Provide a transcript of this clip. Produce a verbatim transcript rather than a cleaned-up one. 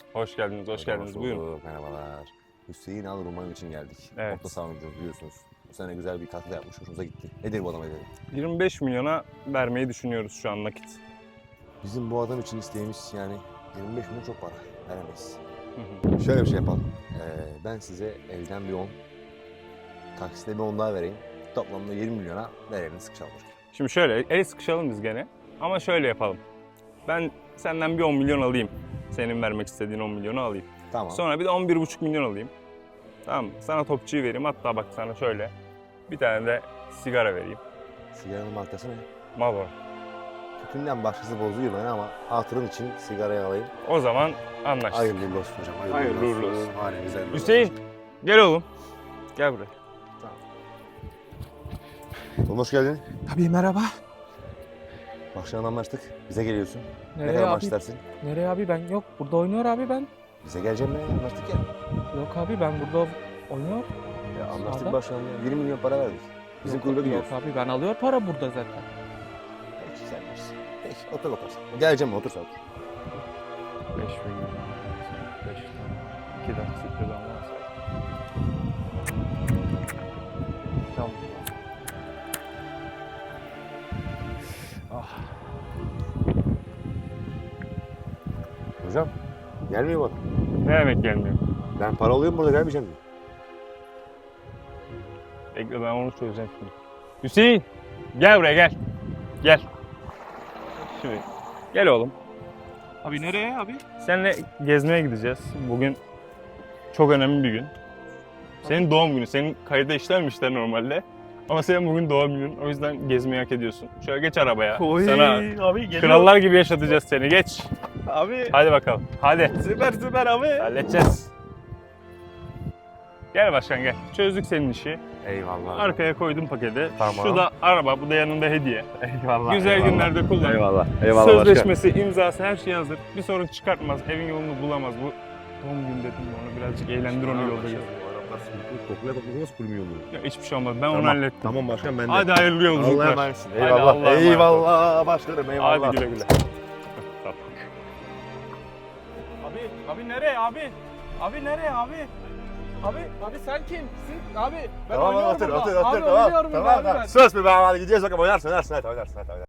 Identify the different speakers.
Speaker 1: Hoş geldiniz, hoş geldiniz.
Speaker 2: Hoş
Speaker 1: Buyurun.
Speaker 2: bulduk, merhabalar. Hüseyin Al Roman için geldik.
Speaker 1: Evet.
Speaker 2: Orta saha oyuncusu biliyorsunuz. Bu sene güzel bir katkı yapmış, hoşumuza gitti. Nedir bu adam ederi?
Speaker 1: yirmi beş milyona vermeyi düşünüyoruz şu an nakit.
Speaker 2: Bizim bu adam için isteğimiz yani yirmi beş milyon çok para. Veremeyiz.
Speaker 1: Hı hı.
Speaker 2: Şöyle bir şey yapalım. Ee, ben size elden bir on, taksite bir on daha vereyim. Toplamda yirmi milyona verelim, sıkışalım.
Speaker 1: Şimdi şöyle, el sıkışalım biz gene. Ama şöyle yapalım. Ben senden bir on milyon alayım. Senin vermek istediğin on milyonu alayım.
Speaker 2: Tamam.
Speaker 1: Sonra bir de on bir buçuk milyon alayım. Tamam mı? Sana topçuyu vereyim. Hatta bak sana şöyle bir tane de sigara vereyim.
Speaker 2: Sigaranın markası ne?
Speaker 1: Marlboro.
Speaker 2: Tütünden başkası bozuyor beni ama hatırın için sigarayı alayım.
Speaker 1: O zaman anlaştık.
Speaker 2: Hayırlı uğurlu olsun hocam.
Speaker 1: Hayırlı uğurlu olsun.
Speaker 2: Hanemize hayırlı
Speaker 1: Hüseyin, gel oğlum. Gel buraya.
Speaker 2: Oğlum hoş geldin.
Speaker 3: Tabii merhaba.
Speaker 2: Akşam anlaştık. Bize geliyorsun. ne
Speaker 3: Nereye
Speaker 2: kadar
Speaker 3: abi?
Speaker 2: maaş istersin?
Speaker 3: Nereye abi ben yok burada oynuyor abi ben.
Speaker 2: Bize geleceğim be. Anlaştık ya.
Speaker 3: Yok abi ben burada oynuyor.
Speaker 2: Ya anlaştık
Speaker 3: Sağda.
Speaker 2: başkanım ya. yirmi milyon para verdik. Bizim
Speaker 3: Yok,
Speaker 2: kulübe
Speaker 3: yok
Speaker 2: gidiyoruz.
Speaker 3: abi ben alıyor para burada zaten.
Speaker 2: Peki sen bilirsin. Peki otur bakalım. Geleceğim otur sen otur.
Speaker 1: beş milyon. beş tane. iki taksitle damlarsa. Tamam. Ah.
Speaker 2: Hocam gelmiyor bana.
Speaker 1: Ne demek gelmiyor?
Speaker 2: Ben para alıyorum burada gelmeyeceğim diyor.
Speaker 1: Bekle ben onu çözeceğim şimdi. Hüseyin! Gel buraya gel. Gel. Şimdi gel oğlum.
Speaker 3: Abi nereye abi?
Speaker 1: Seninle gezmeye gideceğiz. Bugün çok önemli bir gün. Senin doğum günü. Senin kayıda işlenmişler normalde. Ama senin bugün doğum günün. O yüzden gezmeyi hak ediyorsun. Şöyle geç arabaya. Sana
Speaker 3: abi geliyor.
Speaker 1: krallar gibi yaşatacağız seni. Geç.
Speaker 3: Abi
Speaker 1: Hadi bakalım. Hadi.
Speaker 3: süper süper abi.
Speaker 1: Halledeceğiz. Gel başkan gel. Çözdük senin işi.
Speaker 2: Eyvallah.
Speaker 1: Arkaya koydum paketi.
Speaker 2: Tamam.
Speaker 1: Şu da araba, bu da yanında hediye.
Speaker 2: Eyvallah.
Speaker 1: Güzel
Speaker 2: eyvallah.
Speaker 1: günlerde kullan.
Speaker 2: Eyvallah. Eyvallah
Speaker 1: Sözleşmesi, imzası her şey hazır. Bir sorun çıkartmaz, evin yolunu bulamaz. Bu doğum günü dedim onu birazcık eğlendir onu yolda gez.
Speaker 2: Kokuya kokuya nasıl kurmuyor mu?
Speaker 1: Ya hiçbir şey olmaz. Ben onu
Speaker 2: Tamam,
Speaker 1: hallettim.
Speaker 2: Tamam başkan ben de.
Speaker 1: Hadi hayırlı
Speaker 2: Allah'a
Speaker 1: yolculuklar.
Speaker 2: emanetsin.
Speaker 1: Hadi
Speaker 2: Eyvallah.
Speaker 1: Allah'a emanet ol.
Speaker 2: Eyvallah başkanım eyvallah.
Speaker 1: Hadi güle güle.
Speaker 3: Abi abi nereye abi? Abi nereye abi? Abi abi sen kimsin? Abi ben
Speaker 2: Tamam
Speaker 3: oynuyorum
Speaker 2: otur
Speaker 3: burada.
Speaker 2: otur
Speaker 3: Abi
Speaker 2: otur tamam.
Speaker 3: oynuyorum burada
Speaker 2: Tamam
Speaker 3: abi
Speaker 2: tamam.
Speaker 3: ben.
Speaker 2: Söz mü be hadi gideceğiz bakalım oynarsın oynarsın hadi oynarsın hadi oynarsın.